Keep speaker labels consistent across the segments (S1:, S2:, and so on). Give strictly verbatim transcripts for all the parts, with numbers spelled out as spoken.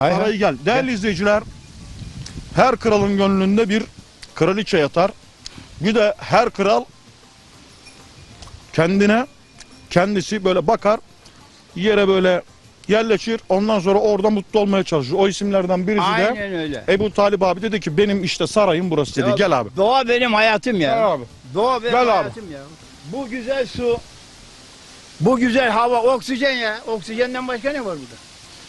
S1: Sarayı gel. Değerli gel. izleyiciler, her kralın gönlünde bir kraliçe yatar. Bir de her kral kendine kendisi böyle bakar, yere böyle yerleşir. Ondan sonra orada mutlu olmaya çalışır. O isimlerden birisi
S2: Aynen
S1: de
S2: öyle.
S1: Ebu Talib abi dedi ki benim işte sarayım burası dedi.
S2: Ya,
S1: gel abi.
S2: Doğa benim hayatım ya.
S1: Gel abi.
S2: Doğa benim
S1: Gel
S2: hayatım
S1: abi.
S2: ya. Bu güzel su, bu güzel hava, oksijen ya. Oksijenden başka ne var burada?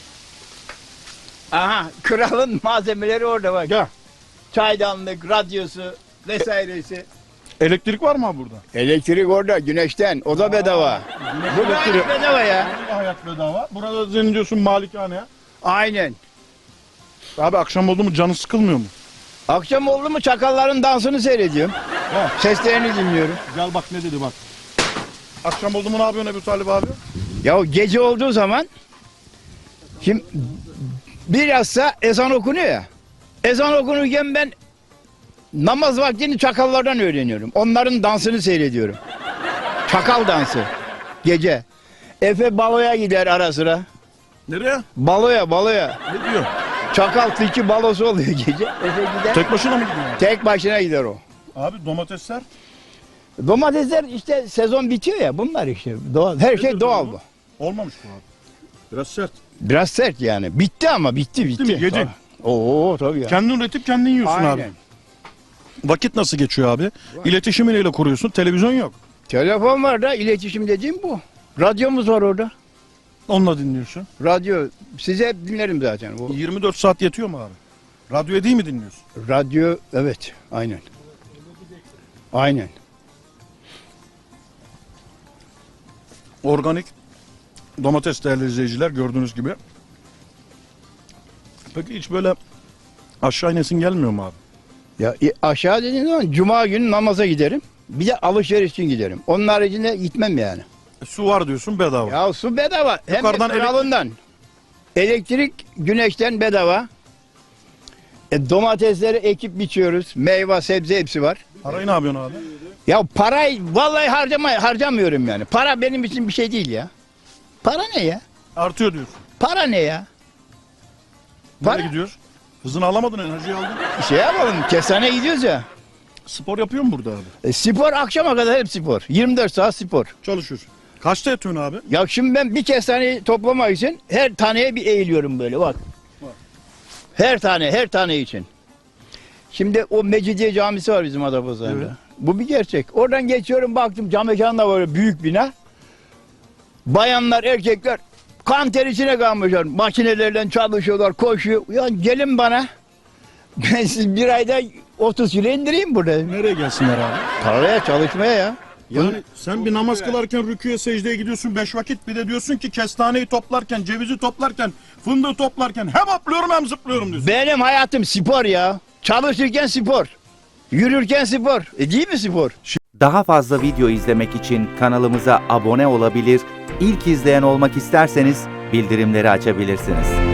S2: Aha, kralın malzemeleri orada bak.
S1: Gel.
S2: Çaydanlık, radyosu vesairesi.
S1: Elektrik var mı abi burada?
S2: Elektrik orada, güneşten. O da bedava. Bu da
S1: elektriği-
S2: bedava ya.
S1: Burada hayat bedava. Burada senin diyorsun malikane.
S2: Aynen.
S1: Abi akşam oldu mu canı sıkılmıyor mu?
S2: Akşam oldu mu çakalların dansını seyrediyorum.
S1: He.
S2: Seslerini dinliyorum.
S1: Gel bak ne dedi bak. Akşam oldu mu ne yapıyorsun Ebu Talib abi?
S2: Ya gece olduğu zaman şimdi bilhassa ezan okunuyor ya. Ezan okunurken ben namaz vaktini çakallardan öğreniyorum. Onların dansını seyrediyorum. Çakal dansı. Gece. Efe baloya gider ara sıra.
S1: Nereye?
S2: Baloya baloya.
S1: Ne diyor?
S2: Çakal tilki balosu oluyor gece. Efe gider.
S1: Tek başına mı gidiyor?
S2: Tek başına gider o.
S1: Abi domatesler.
S2: Domatesler işte sezon bitiyor ya bunlar işte. Doğal. Her şey
S1: Nedir
S2: doğal
S1: bu?
S2: bu.
S1: Olmamış bu abi. Biraz sert.
S2: Biraz sert yani. Bitti ama bitti bitti.
S1: mi? Yedin.
S2: Tabii. Oo tabii ya.
S1: Kendin üretip kendin yiyorsun
S2: Aynen.
S1: abi. Vakit nasıl geçiyor abi? İletişimi neyle kuruyorsun? Televizyon yok.
S2: Telefon var da iletişim dediğim bu. Radyomuz var orada.
S1: Onunla dinliyorsun.
S2: Radyo size hep dinlerim zaten. Bu
S1: yirmi dört saat yetiyor mu abi? Radyoya değil mi dinliyorsun?
S2: radyo evet aynen. Aynen.
S1: Organik domates değerli izleyiciler gördüğünüz gibi. Peki hiç böyle aşağı inesin gelmiyor mu abi?
S2: Ya e, aşağı dediğim zaman cuma günü namaza giderim. Bir de alışveriş için giderim. Onun haricinde gitmem yani.
S1: E, su var diyorsun bedava.
S2: Ya su bedava. Hem
S1: Yukarıdan
S2: de kralından. Elektrik güneşten bedava. E, domatesleri ekip biçiyoruz. Meyve, sebze hepsi var.
S1: Parayı ne yapıyorsun abi?
S2: Ya parayı vallahi harcama, harcamıyorum yani. Para benim için bir şey değil ya. Para ne ya?
S1: Artıyor diyorsun.
S2: Para ne ya?
S1: Nereye
S2: Para-
S1: gidiyoruz? Hızını alamadın, enerjiyi aldın.
S2: Şey yapalım, kesane gidiyoruz ya.
S1: Spor yapıyor mu burada abi?
S2: E, spor akşama kadar hep spor. yirmi dört saat spor.
S1: Çalışıyorsun. Kaçta yatıyorsun abi?
S2: Ya şimdi ben bir kestaneyi toplamak için her taneye bir eğiliyorum böyle bak.
S1: Bak.
S2: Her tane, her tane için. Şimdi o Mecidiye Camisi var bizim Adapazarı'nda.
S1: Evet.
S2: Bu bir gerçek. Oradan geçiyorum baktım cam mekan da var büyük bina. Bayanlar, erkekler kan ter içine kalmışlar. Makinelerle çalışıyorlar, koşuyor. Ya gelin bana. Ben siz bir ayda otuz kilo indireyim burada.
S1: Nereye gelsinler abi?
S2: Tarlaya çalışmaya ya.
S1: Yani sen bir namaz kılarken rüküye secdeye gidiyorsun beş vakit, bir de diyorsun ki kestaneyi toplarken, cevizi toplarken, fındığı toplarken hem hopluyorum hem zıplıyorum diyorsun.
S2: Benim hayatım spor ya. Çalışırken spor. Yürürken spor. E değil mi spor?
S3: Daha fazla video izlemek için kanalımıza abone olabilir, ilk izleyen olmak isterseniz bildirimleri açabilirsiniz.